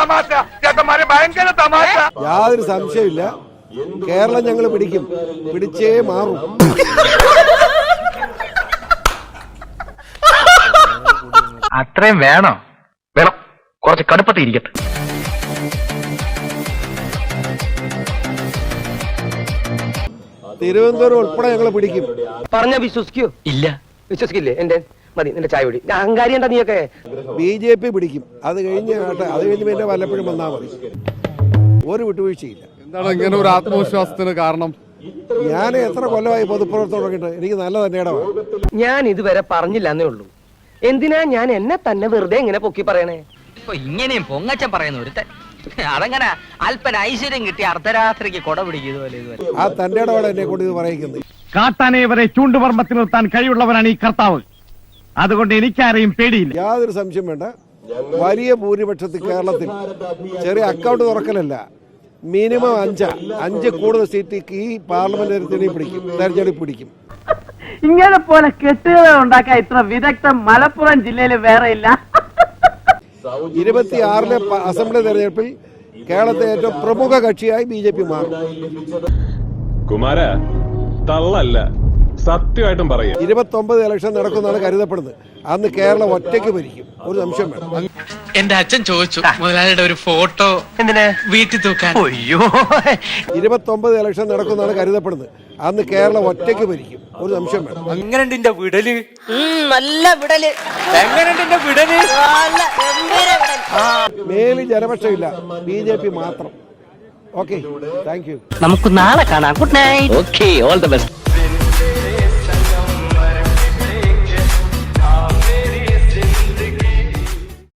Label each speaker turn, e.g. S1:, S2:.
S1: യാതൊരു സംശയമില്ല, കേരളം ഞങ്ങൾ പിടിക്കും, പിടിച്ചേ മാറും.
S2: അത്രയും വേണോ? വേണം, കുറച്ച് കടുപ്പത്തിരിക്കട്ടെ.
S1: തിരുവനന്തപുരം ഉൾപ്പെടെ ഞങ്ങൾ പിടിക്കും.
S3: പറഞ്ഞ വിശ്വസിക്കൂ?
S2: ഇല്ല,
S3: വിശ്വസിക്കില്ലേ? എന്റെ മതി, നിന്റെ ചായ കുടി. അഹങ്കാരി എന്താ നീയൊക്കെ?
S1: BJP പിടിക്കും. അത് കഴിഞ്ഞ് പിന്നെ വല്ലപ്പോഴും വന്നാൽ മതി. ഒരു വിട്ടുവീഴ്ചയില്ല.
S4: എന്താണ് ഇങ്ങനെ ഒരു ആത്മവിശ്വാസത്തിന് കാരണം?
S1: ഞാൻ എത്ര കൊല്ലമായി പൊതുപ്രവർത്തനം തുടങ്ങിയിട്ട് എനിക്ക് നല്ല തന്നെ.
S3: ഞാൻ ഇതുവരെ പറഞ്ഞില്ല എന്നേ ഉള്ളൂ. എന്തിനാ ഞാൻ എന്നെ തന്നെ വെറുതെ ഇങ്ങനെ പൊക്കി പറയണേ?
S5: ഇപ്പൊ ഇങ്ങനെയും പൊങ്ങച്ചൻ പറയുന്ന ഒരുത്തൻ അതങ്ങനെ അല്പന ഐശ്വര്യം കിട്ടി അർദ്ധരാത്രിക്ക് കൊട പിടിക്കുന്നതുപോലെ
S1: ആ തന്റെ ഇടപാട് എന്നെ കൊണ്ട് ഇത് പറയുന്നത്.
S6: കാട്ടാനെ വരെ ചൂണ്ടുപർമ്മത്തിൽ നിർത്താൻ കഴിവുള്ളവരാണ് ഈ കർത്താവ്. അതുകൊണ്ട് എനിക്കാരെയും പേടിയില്ല.
S1: യാതൊരു സംശയം വേണ്ട. വലിയ ഭൂരിപക്ഷത്തിൽ കേരളത്തിൽ ചെറിയ അക്കൗണ്ട് തുറക്കലല്ല, മിനിമം 5 കൂടുതൽ സീറ്റ് ഈ പാർലമെന്റ് തെരഞ്ഞെടുപ്പ് പിടിക്കും.
S7: ഇങ്ങനെ പോലെ കെട്ടുകഥ ഉണ്ടാക്കാൻ ഇത്ര വിദഗ്ധം മലപ്പുറം ജില്ലയിൽ വേറെ ഇല്ല.
S1: 26-ലെ അസംബ്ലി തെരഞ്ഞെടുപ്പിൽ കേരളത്തെ ഏറ്റവും പ്രമുഖ കക്ഷിയായി BJP മാറും.
S8: കുമാര തള്ളല്ല, സത്യമായിട്ടും പറയാം.
S1: 29 ഇലക്ഷൻ നടക്കുന്നതാണ് കരുതപ്പെടുന്നത്. അന്ന് കേരളം ഒറ്റയ്ക്ക് ഭരിക്കും, ഒരു സംശയം വേണം.
S9: എന്റെ അച്ഛൻ ചോദിച്ചു മുതലാളിയുടെ ഒരു ഫോട്ടോ
S3: എന്തിനാ
S9: വീട്ടിൽ തൂക്കാൻ.
S3: അയ്യോ,
S1: 29 ഇലക്ഷൻ നടക്കുന്നതാണ് കരുതപ്പെടുന്നത്. അന്ന് കേരളം ഒറ്റയ്ക്ക് ഭരിക്കും, ഒരു സംശയം വേണം.
S9: എങ്ങനെയുണ്ട് എന്റെ വിടല്?
S5: നല്ല വിടല്.
S9: എങ്ങനെയുണ്ട് എന്റെ വിടല്?
S1: മേലിൽ ജനപക്ഷമില്ല, BJP മാത്രം. Okay, thank you.
S5: നമുക്ക് നാളെ കാണാം. Good night. Okay, all the best.